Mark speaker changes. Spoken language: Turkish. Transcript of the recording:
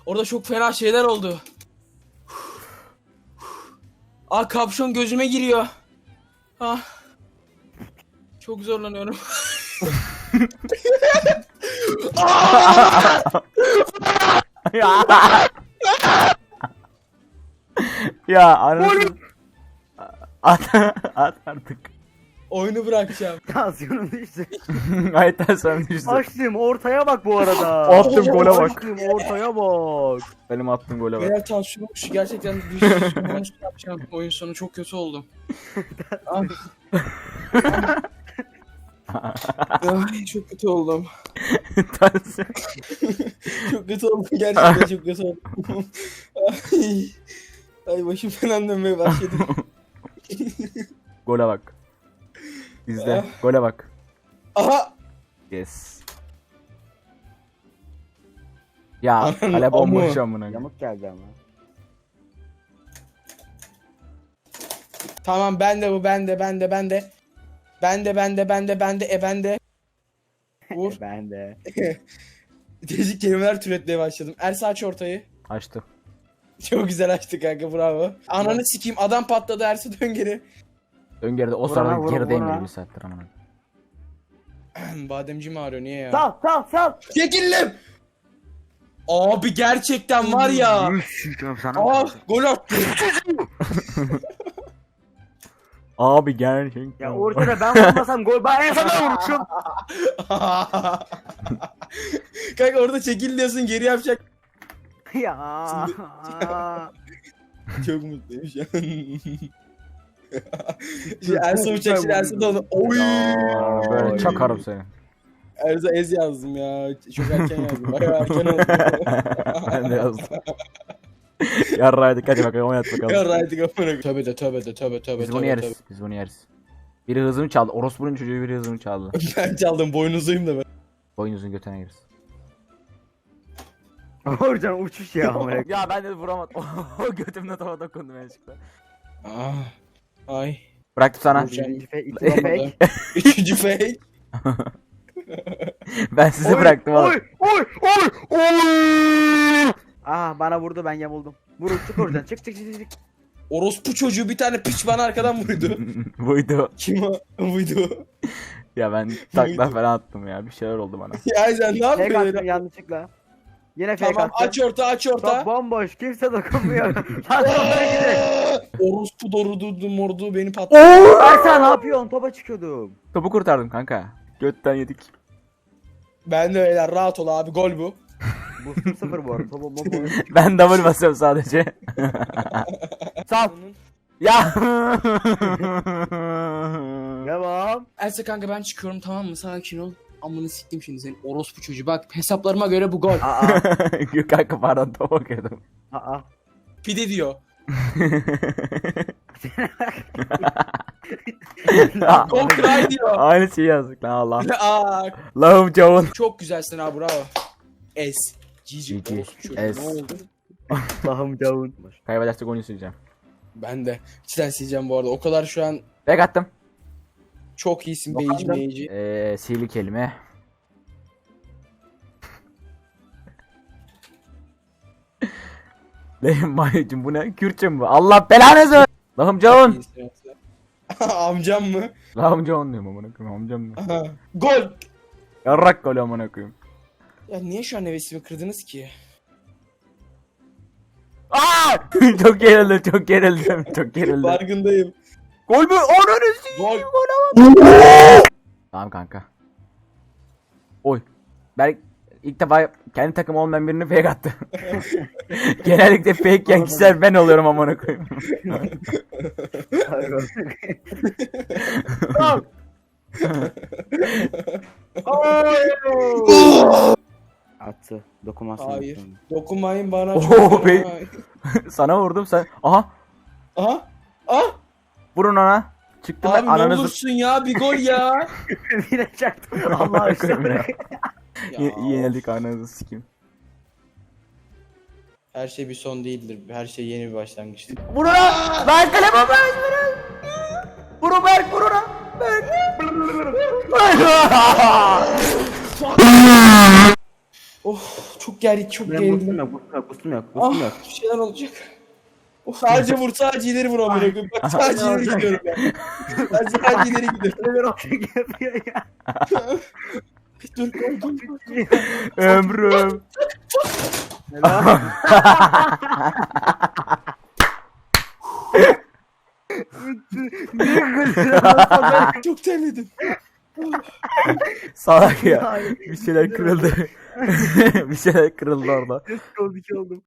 Speaker 1: Orada çok fena şeyler oldu. Kapşon gözüme giriyor. Çok zorlanıyorum.
Speaker 2: Ya anasını. At artık.
Speaker 1: Oyunu bırakacağım.
Speaker 3: Tansiyonum düştü.
Speaker 2: Ayten sen düştün.
Speaker 3: Açtım ortaya bak bu arada.
Speaker 2: Attım gole bak.
Speaker 3: Açtım ortaya bak.
Speaker 2: Benim attığım gole bak.
Speaker 1: Beyler tansiyonum düştü. Gerçekten düştü. Yapacağım. Oyun sonu çok kötü oldum. Ay, çok kötü oldum.
Speaker 2: Tansiyon.
Speaker 1: Çok kötü oldum. Gerçekten çok kötü oldum. Ay başım falan dönmeye başladı.
Speaker 2: Gole bak. İzle. Gole bak.
Speaker 1: Aha!
Speaker 2: Yes. Ya kale bomboş amına.
Speaker 3: Yamuk geldi ama.
Speaker 1: Tamam bende bu bende. Bende. Vur.
Speaker 3: Ben de.
Speaker 1: Değişik kelimeler türetmeye başladım. Ersa aç ortayı.
Speaker 2: Açtı.
Speaker 1: Çok güzel açtı kanka, bravo. Ananı sikeyim, adam patladı, Ersa dön geri.
Speaker 2: Ön geride o
Speaker 3: Vur
Speaker 2: sırada
Speaker 3: lan, vur,
Speaker 2: gerideyim
Speaker 3: vur lan.
Speaker 2: bir saattir amına.
Speaker 1: Bademciğim ağrıyor, niye ya?
Speaker 3: Sal.
Speaker 1: Çekildim! Abi gerçekten var ya. Gol attı.
Speaker 2: Abi gerçekten.
Speaker 3: Ya ortada ben vurmasam gol. Ben en sona vurmuşum.
Speaker 1: Kanka orada çekil diyorsun, geri yapacak.
Speaker 3: Ya.
Speaker 1: Çok mutluyum şu an. Ersa uçak şimdi, Ersa da onu. Oy!
Speaker 2: Aa, böyle çakarım seni.
Speaker 1: Ersa ez yazdım ya. Çok erken yazdım. Bayağı erken oldu.
Speaker 2: Ben de yazdım. Yarraydık hadi bakalım oynat bakalım.
Speaker 1: Yarraydık amına. Tövbe de.
Speaker 2: Biz bunu yeriz. Biz bunu yeriz. Biri hızımı çaldı. Orospu'nun çocuğu biri hızımı çaldı.
Speaker 1: Ben çaldım, boynuzluyum da ben.
Speaker 2: Boynuzun götüne girsin.
Speaker 3: Orcan uçuş ya.
Speaker 2: Ya ben de vuramadım. O götümle tava dokundum yanlışlıkla.
Speaker 1: Ay.
Speaker 2: Bıraktım sana.
Speaker 3: Birinci fake, ikinci fake.
Speaker 1: Üçüncü fake.
Speaker 2: Ben size bıraktım oğlum.
Speaker 3: Oy. Bana vurdu, ben yamuldum. Vur çık oradan, çık.
Speaker 1: Orospu çocuğu bir tane piç bana arkadan vurdu.
Speaker 2: Buydu.
Speaker 1: Kim o? Buydu.
Speaker 2: Ya ben takla falan attım ya. Bir şeyler oldu bana.
Speaker 1: Ya sen ne
Speaker 3: Fake
Speaker 1: yapıyorsun?
Speaker 3: attım yanlışlıkla. Yine fake
Speaker 1: Tamam,
Speaker 3: attım.
Speaker 1: aç
Speaker 3: Top
Speaker 1: orta.
Speaker 3: bomboş, kimse dokunmuyor. Lan toplara gidelim.
Speaker 1: Orospu dorudu mordu beni patladı.
Speaker 3: Ersan ne yapıyorsun? Topa çıkıyordum.
Speaker 2: Topu kurtardım kanka. Götten yedik.
Speaker 1: Ben de öyle, rahat ol abi, gol bu.
Speaker 3: Bu 0 bu arada. Topa bomboş.
Speaker 2: Ben double basıyorum sadece.
Speaker 3: Sal.
Speaker 2: Ya.
Speaker 3: Devam.
Speaker 1: Ersa kanka ben çıkıyorum, tamam mı? Sakin ol. Amını siktim şimdi senin orospu çocuğu. Bak hesaplarıma göre bu gol.
Speaker 2: Yok kanka pardon topa bakıyordum.
Speaker 1: Pide diyor. Gol cry diyor.
Speaker 2: Aynı şeyi yazdık lan Allah.
Speaker 1: Aa,
Speaker 2: Lahım cavun.
Speaker 1: çok güzelsin abi, bravo. Es. Cici.
Speaker 2: Cici.
Speaker 1: Orospu çocuğu.
Speaker 2: Es.
Speaker 1: Ne oldu?
Speaker 3: Allah'ım cavun.
Speaker 2: Kaybedersek onu sileceğim.
Speaker 1: Ben de. İçten sileceğim bu arada. O kadar şu an
Speaker 2: Bek attım.
Speaker 1: çok iyisin beyici.
Speaker 2: Sihirli kelime. Lehim mayıcım bu ne? Kürtçe mi bu? Allah belanızı ver. Lahım cavun.
Speaker 1: Amcam mı?
Speaker 2: Lahım cavun diyorum amına koyayım amcam mı?
Speaker 1: Aha. Gol.
Speaker 2: Yarrak gol amına koyayım.
Speaker 1: Ya niye şu an hevesimi kırdınız ki?
Speaker 2: Aa! Çok gerildim.
Speaker 1: Farkındayım.
Speaker 2: Gol mü? Ananı
Speaker 1: Gol.
Speaker 2: Tamam kanka. Oy. Ben ilk defa kendi takım olmayan birini fake attı. Genellikle fake yiyen kişiler ben oluyorum amına koyayım.
Speaker 3: Attı. Dokunmasın.
Speaker 1: Hayır. Dokunmayın bana.
Speaker 2: Oo, be. Sana vurdum sen. Aha.
Speaker 1: Aha. Ah.
Speaker 2: Vurun ona. Çıktım ben
Speaker 1: Abi ne
Speaker 2: ananızı.
Speaker 1: olursun ya, bir gol ya.
Speaker 3: Yine çaktım. Allah aşkına.
Speaker 1: Ya.
Speaker 2: Yenildik ananızı sikeyim.
Speaker 1: Her şey bir son değildir. Her şey yeni bir başlangıçtır.
Speaker 2: Vur ona. Lan kaleme Berk. Vur Berk vur ona. Berk.
Speaker 1: Oh, çok çok
Speaker 3: Benim boostum
Speaker 1: gerildim.
Speaker 3: yok, boostum yok, boostum yok, boostum yok.
Speaker 1: Bir şeyler olacak. Sadece vur, sadece ileri vur amına koyayım. Bak sadece ileri gidiyorum ben. Sadece ileri gidiyorum.
Speaker 3: Ne bir okey yapıyor ya.
Speaker 1: Dur koydum.
Speaker 2: Ömrüm.
Speaker 3: Helal. Niye gülüyorsun?
Speaker 1: Çok terledim.
Speaker 2: Salak ya. Bir şeyler kırıldı. Bir şeyler kırıldı orada.
Speaker 3: Kes oldu ki oldum.